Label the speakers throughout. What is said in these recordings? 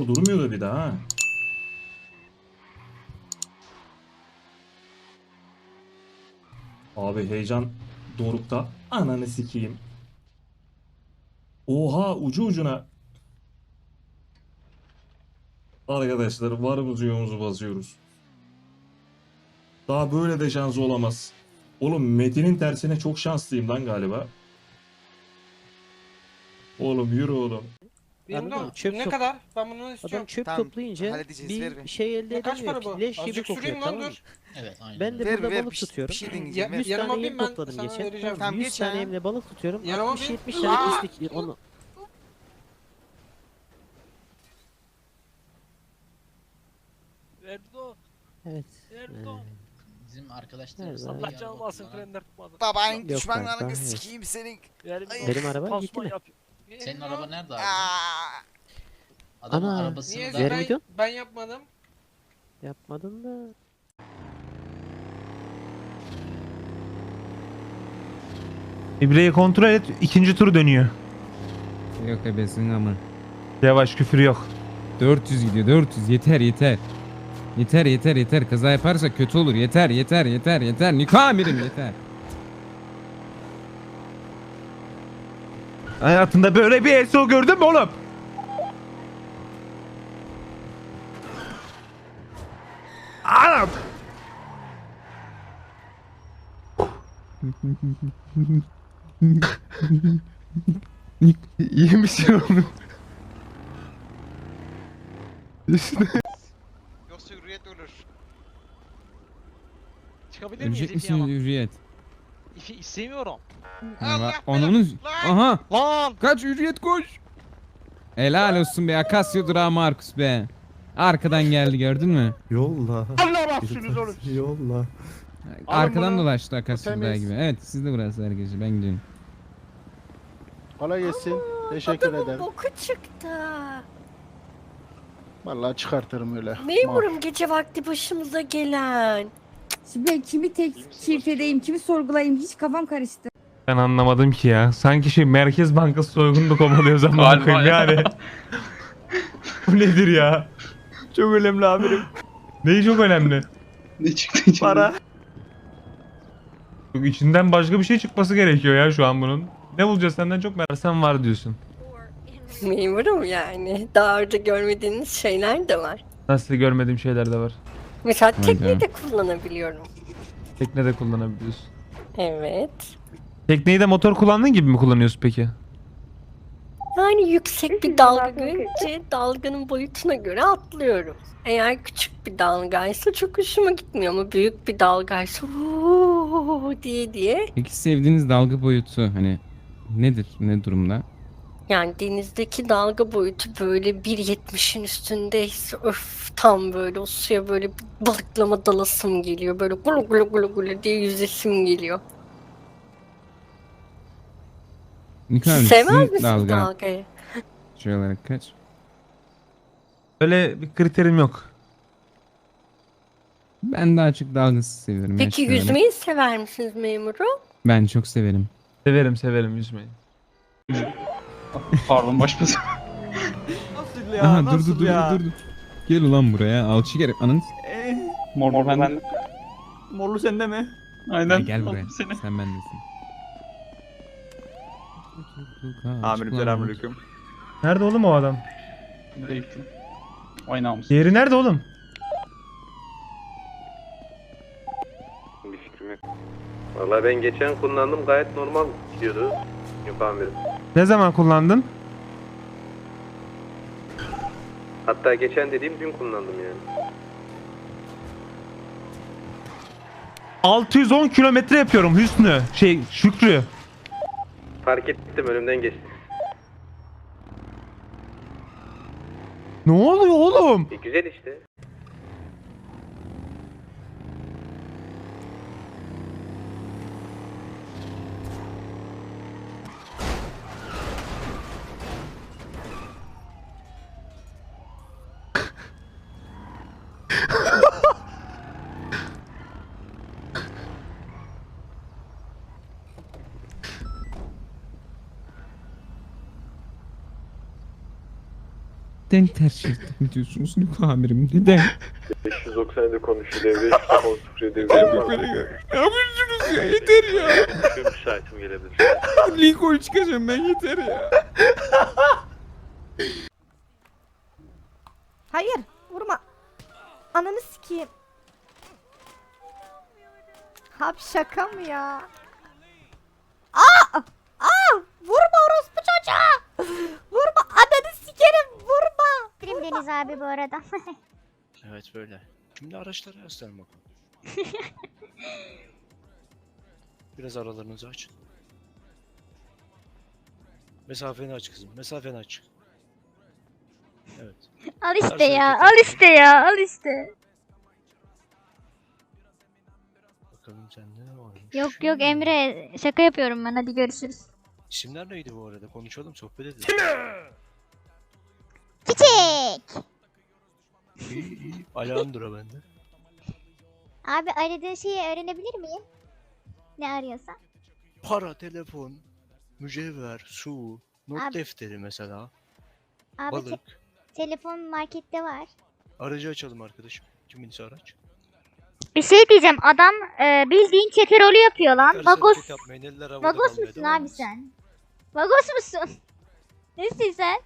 Speaker 1: motor durmuyor da bir daha ha. Abi heyecan dorukta. Ananı sikeyim. Oha ucu ucuna. Arkadaşlar varımızı yoğumuzu basıyoruz. Daha böyle de şansı olamaz. Oğlum Metin'in tersine çok şanslıyım lan galiba. Oğlum yürü oğlum.
Speaker 2: Benim
Speaker 3: Anladın mı?
Speaker 2: de
Speaker 3: Çöp
Speaker 2: ne
Speaker 3: top-
Speaker 2: kadar? Ben bunu
Speaker 3: Adam
Speaker 2: istiyorum.
Speaker 3: çöp
Speaker 4: Tamam,
Speaker 3: toplayınca
Speaker 4: halledeceğiz, ver
Speaker 3: bir
Speaker 4: bir.
Speaker 3: şey elde
Speaker 2: Kaç
Speaker 3: edemiyor
Speaker 2: para bu?
Speaker 3: ki. Leş gibi
Speaker 2: Azıcık
Speaker 3: kokuyor,
Speaker 2: süreyim lan,
Speaker 3: tamam mı?
Speaker 2: dur.
Speaker 5: Evet aynen.
Speaker 3: Ben de
Speaker 4: Ver,
Speaker 3: burada
Speaker 4: ver,
Speaker 3: balık
Speaker 4: bir şey
Speaker 3: tutuyorum.
Speaker 4: deneyeceğim, ver.
Speaker 3: 100
Speaker 2: Yanıma
Speaker 3: tane
Speaker 2: bin,
Speaker 3: yem
Speaker 2: ben
Speaker 3: topladım
Speaker 2: sana
Speaker 3: geçen.
Speaker 2: vereceğim.
Speaker 3: Tamam,
Speaker 4: Tamam,
Speaker 3: 100
Speaker 4: geç
Speaker 3: tane
Speaker 4: ya.
Speaker 3: yemle balık tutuyorum.
Speaker 2: Yanıma
Speaker 3: 60-70
Speaker 2: bin.
Speaker 3: tane pislik. Onu...
Speaker 6: Erdo,
Speaker 3: Evet.
Speaker 6: Erdo.
Speaker 5: Bizim arkadaşlarımız
Speaker 3: Nerede?
Speaker 6: Allah canım alsın frenler tutmadı.
Speaker 4: Baban
Speaker 3: Yok
Speaker 4: düşmanlarını
Speaker 3: kanka,
Speaker 4: sikeyim senin.
Speaker 6: Yani
Speaker 3: Benim araba gitti mi?
Speaker 5: Senin araba nerede abi?
Speaker 4: Aa,
Speaker 5: Adamın
Speaker 3: Ana.
Speaker 5: arabasını
Speaker 2: Niye
Speaker 5: da...
Speaker 3: Ver
Speaker 2: ben,
Speaker 3: miydin?
Speaker 2: ben yapmadım?
Speaker 3: Yapmadın da.
Speaker 7: İbreyi kontrol et. İkinci turu dönüyor.
Speaker 8: Yok ebesin ama.
Speaker 7: Yavaş küfür yok.
Speaker 8: 400 gidiyor 400 yeter yeter. Yeter yeter yeter kaza yaparsa kötü olur yeter yeter yeter yeter Niko amirim yeter.
Speaker 7: Hayatında böyle bir SO gördün mü oğlum? Anam. İyi misin oğlum?
Speaker 4: Yoksa hürriyet ölür.
Speaker 6: Çıkabilir miyiz
Speaker 8: Ölecek
Speaker 6: İfi ama?
Speaker 8: misin hürriyet?
Speaker 6: İfi istemiyorum.
Speaker 8: Onun... Aha!
Speaker 6: Lan!
Speaker 8: Kaç hürriyet koş! Helal olsun be Akasya durağı Markus be. Arkadan geldi gördün mü?
Speaker 7: Yolla.
Speaker 6: Allah mahsulünüz olur.
Speaker 7: Yolla.
Speaker 8: Arkadan
Speaker 6: bunu.
Speaker 8: dolaştı Akasya
Speaker 6: O
Speaker 8: durağı
Speaker 6: temiz.
Speaker 8: gibi. Evet siz de burası herkese ben gidiyorum.
Speaker 9: Kolay gelsin. Teşekkür ederim.
Speaker 10: Boku çıktı.
Speaker 9: Vallahi çıkartırım öyle.
Speaker 10: Memurum gece vakti başımıza gelen.
Speaker 11: Şimdi ben kimi tekşif edeyim, kimi sorgulayayım hiç kafam karıştı.
Speaker 7: Ben anlamadım ki ya. Sanki şey Merkez Bankası soygunu kovalıyoruz ama bakayım yani. Bu nedir ya? Çok önemli amirim. Neyi çok önemli?
Speaker 9: Ne çıktı içinden?
Speaker 7: Para. Yok, içinden başka bir şey çıkması gerekiyor ya şu an bunun. Ne bulacağız senden çok merak sen var diyorsun.
Speaker 10: Memurum yani. Daha önce görmediğiniz şeyler de var.
Speaker 7: Nasıl görmediğim şeyler de var.
Speaker 10: Mesela
Speaker 8: Hayda.
Speaker 10: tekneyi de kullanabiliyorum.
Speaker 7: Tekne de kullanabiliyorsun.
Speaker 10: Evet.
Speaker 7: Tekneyi de motor kullandığın gibi mi kullanıyorsun peki?
Speaker 10: Yani yüksek bir dalga görünce dalganın boyutuna göre atlıyorum. Eğer küçük bir dalgaysa çok hoşuma gitmiyor ama büyük bir dalgaysa diye.
Speaker 8: Peki sevdiğiniz dalga boyutu hani nedir? Ne durumda?
Speaker 10: Yani denizdeki dalga boyutu böyle 1.70'in üstündeyse öf tam böyle o suya böyle bir balıklama dalasım geliyor. Böyle gulu gulu gulu gulu diye yüzesim geliyor.
Speaker 8: Niko abi
Speaker 10: Siz sevmez
Speaker 8: sizin
Speaker 10: misiniz
Speaker 8: dalga
Speaker 10: dalgayı?
Speaker 8: şey olarak kaç?
Speaker 7: Öyle bir kriterim yok.
Speaker 8: Ben daha çok dalgasız seviyorum.
Speaker 10: Peki
Speaker 8: yaşlı öyle.
Speaker 10: yüzmeyi sever misiniz memurum?
Speaker 8: Ben çok severim.
Speaker 7: Severim severim yüzmeyi.
Speaker 9: Pardon başımıza.
Speaker 7: Nasıl ya?
Speaker 8: Aha dur dur dur dur dur. Gel ulan buraya alçı gerek ananı.
Speaker 9: Mor ben.
Speaker 7: Morlu sende mi?
Speaker 9: Aynen.
Speaker 8: Gel buraya. Sen bendesin.
Speaker 9: Amirim selamünaleyküm.
Speaker 7: Nerede oğlum o adam?
Speaker 9: Nereye gittin? Vay namus.
Speaker 7: Diğeri nerede oğlum?
Speaker 12: Bir fikrim yok. Vallahi ben geçen kullandım gayet normal gidiyordu. Yok amirim.
Speaker 7: Ne zaman kullandın?
Speaker 12: Hatta geçen dediğim dün kullandım yani.
Speaker 7: 610 kilometre yapıyorum Hüsnü. Şükrü.
Speaker 12: Fark ettim önümden geçti.
Speaker 7: Ne oluyor oğlum?
Speaker 12: Güzel işte.
Speaker 8: Neden ters mi diyorsunuz Niko amirim? Neden?
Speaker 12: 597 konuşuyor devre 007 devre.
Speaker 8: Ne yapıyorsunuz ya? Yeter ya.
Speaker 12: Müsaitim gelebilir.
Speaker 8: Lincoln çıkacağım ben, yeter ya.
Speaker 11: Hayır vurma. Ananı sikeyim. Abi şaka mı ya? Aa! Aa! Vurma orospu çocuğa! Vurma ananı sikerim vurma!
Speaker 10: Deniz abi bu arada.
Speaker 6: Evet böyle. Şimdi araçları gösterin bakalım. Biraz aralarınızı açın. Mesafeni aç kızım. Mesafeni aç. Evet.
Speaker 10: Al
Speaker 6: işte
Speaker 10: işte
Speaker 6: ya,
Speaker 10: ya,
Speaker 6: al
Speaker 10: al işte ya, al işte.
Speaker 6: Bakalım sende ne varmış.
Speaker 10: Yok yok Emre, şaka yapıyorum ben, hadi görüşürüz.
Speaker 6: İsimler neydi bu arada? Konuşalım, sohbet edelim.
Speaker 10: Çiçek!
Speaker 6: İyi iyi. Alejandro bende.
Speaker 10: Abi aradığın şeyi öğrenebilir miyim? Ne arıyorsan?
Speaker 6: Para, telefon, mücevher, su, not
Speaker 10: Abi-
Speaker 6: defteri mesela.
Speaker 10: Abi
Speaker 6: Balık.
Speaker 10: telefon markette var.
Speaker 6: Aracı açalım arkadaşım. Kiminse araç.
Speaker 10: Bir şey diyeceğim, adam bildiğin çete rolü yapıyor lan.
Speaker 6: Karısı
Speaker 10: Vagos,
Speaker 6: hareket yapmayın, eller havada
Speaker 10: vagos
Speaker 6: kalmaya
Speaker 10: musun
Speaker 6: devam
Speaker 10: abi
Speaker 6: etsin.
Speaker 10: sen? Vagos musun? Nesin sen?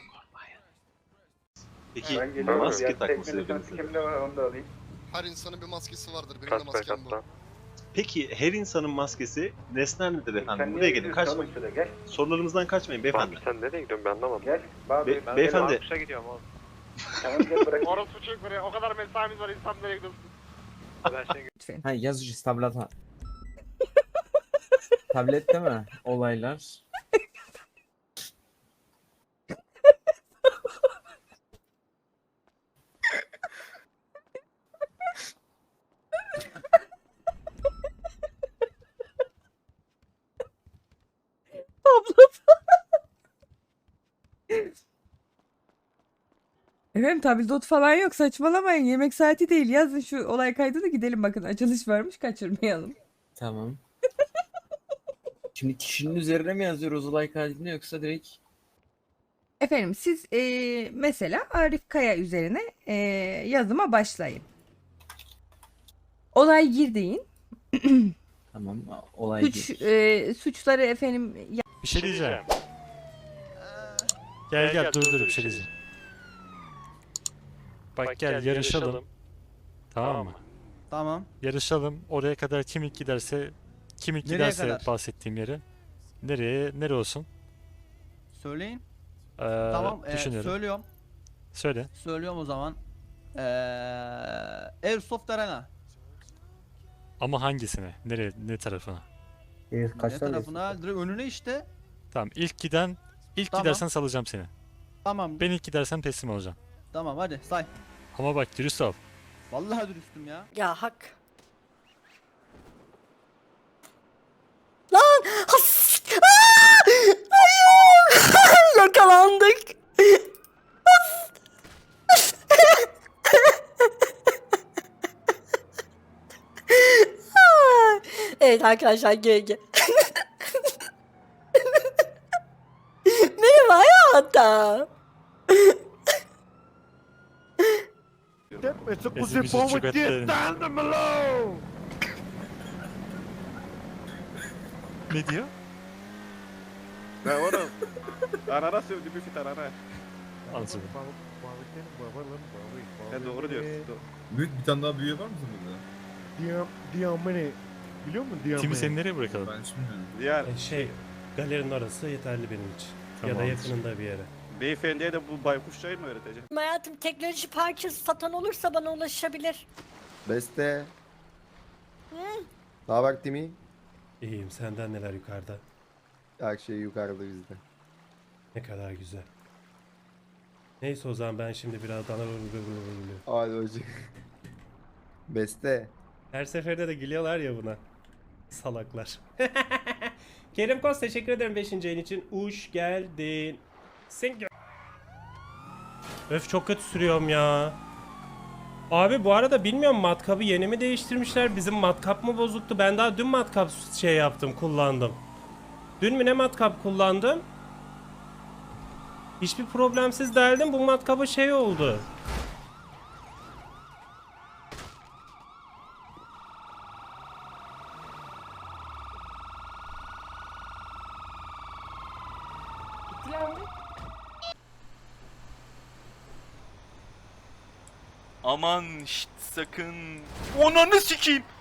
Speaker 12: Peki
Speaker 2: maske takması
Speaker 12: kimde var onu da alayım.
Speaker 4: Her insanın bir maskesi vardır. Benim de
Speaker 12: Kaç
Speaker 4: maskem bu.
Speaker 12: katta?
Speaker 2: Peki her insanın maskesi nesnel midir efendim? Buraya gelin, kaçmayın.
Speaker 12: Gel.
Speaker 2: Sorularımızdan kaçmayın beyefendi.
Speaker 12: Sen nereye gidiyorsun ben anlamadım. Gel.
Speaker 2: Beyefendi.
Speaker 12: Kuşa gidiyorum oğlum. Tamam gel bırak.
Speaker 4: Orası çek buraya. O kadar mesaimiz var. İnsan nereye gidiyorsun?
Speaker 11: Lütfen.
Speaker 8: Ha yazıcı tablet. Tablette mi olaylar?
Speaker 11: Efendim tabildot falan yok, saçmalamayın, yemek saati değil, yazın şu olay kaydını gidelim, bakın açılış varmış, kaçırmayalım.
Speaker 8: Tamam. Şimdi kişinin üzerine mi yazıyoruz olay kaydını yoksa direkt?
Speaker 11: Efendim siz mesela Arif Kaya üzerine yazıma başlayın. Olay gir deyin.
Speaker 8: Tamam olay
Speaker 11: Suçları efendim
Speaker 1: Bir şey diyeceğim. Gel dur bir şey diyeceğim. Bak gel yarışalım. Tamam mı?
Speaker 9: Tamam.
Speaker 1: Yarışalım. Oraya kadar kim ilk giderse
Speaker 9: kadar?
Speaker 1: bahsettiğim yere. Nereye olsun?
Speaker 9: Söyleyin.
Speaker 1: Düşünüyorum.
Speaker 9: Söylüyorum.
Speaker 1: Söyle.
Speaker 9: Söylüyorum o zaman. Airsoft Arena.
Speaker 1: Ama hangisine? Ne tarafına?
Speaker 9: Ne tarafına? Direkt önüne işte.
Speaker 1: Tamam ilk
Speaker 9: Tamam.
Speaker 1: gidersen salacağım seni.
Speaker 9: Tamam.
Speaker 1: Ben ilk gidersem teslim olacağım.
Speaker 9: Tamam hadi say.
Speaker 1: Ama bak dürüst ol.
Speaker 9: Vallahi dürüstüm ya.
Speaker 10: Ya hak. Lan! Has! Aa! Hayır! Yakalandık. Evet arkadaşlar GG. Merhaba hayatım.
Speaker 1: Ne diyor?
Speaker 12: Ne oğlum? Arara sövdü bir fit arara.
Speaker 1: Anladım.
Speaker 12: Ne doğru diyorsun.
Speaker 2: Büyük bir tane daha büyüğü var mı burada?
Speaker 6: Diamene. Biliyor musun Diamene?
Speaker 1: Timi seni nereye bırakalım?
Speaker 2: Ben hiç bilmiyorum.
Speaker 12: Diğer
Speaker 6: Galerinin orası yeterli benim için.
Speaker 1: Tamam.
Speaker 6: yakınında bir yere.
Speaker 12: beyefendiye de bu baykuş çayı mı öğreteceğim?
Speaker 10: Hayatım teknoloji parçası satan olursa bana ulaşabilir.
Speaker 12: Beste. Ne haber Timi?
Speaker 6: İyiyim, senden neler yukarıda?
Speaker 12: Her şey yukarıda bizde.
Speaker 6: Ne kadar güzel. Neyse o zaman ben şimdi biraz dana
Speaker 12: Hadi hocam. Beste.
Speaker 6: Her seferde de gülüyorlar ya buna. Salaklar. Kerim Kos teşekkür ederim 5. ayın için. Uş geldin. Öf çok kötü sürüyorum ya. Abi bu arada bilmiyorum matkabı yeni mi değiştirmişler? Bizim matkap mı bozuktu? Ben daha dün matkap kullandım. Dün mü ne matkap kullandım? Hiçbir problemsiz deldim. Bu matkabı şey oldu.
Speaker 13: Aman şşt sakın. Onanı sikeyim.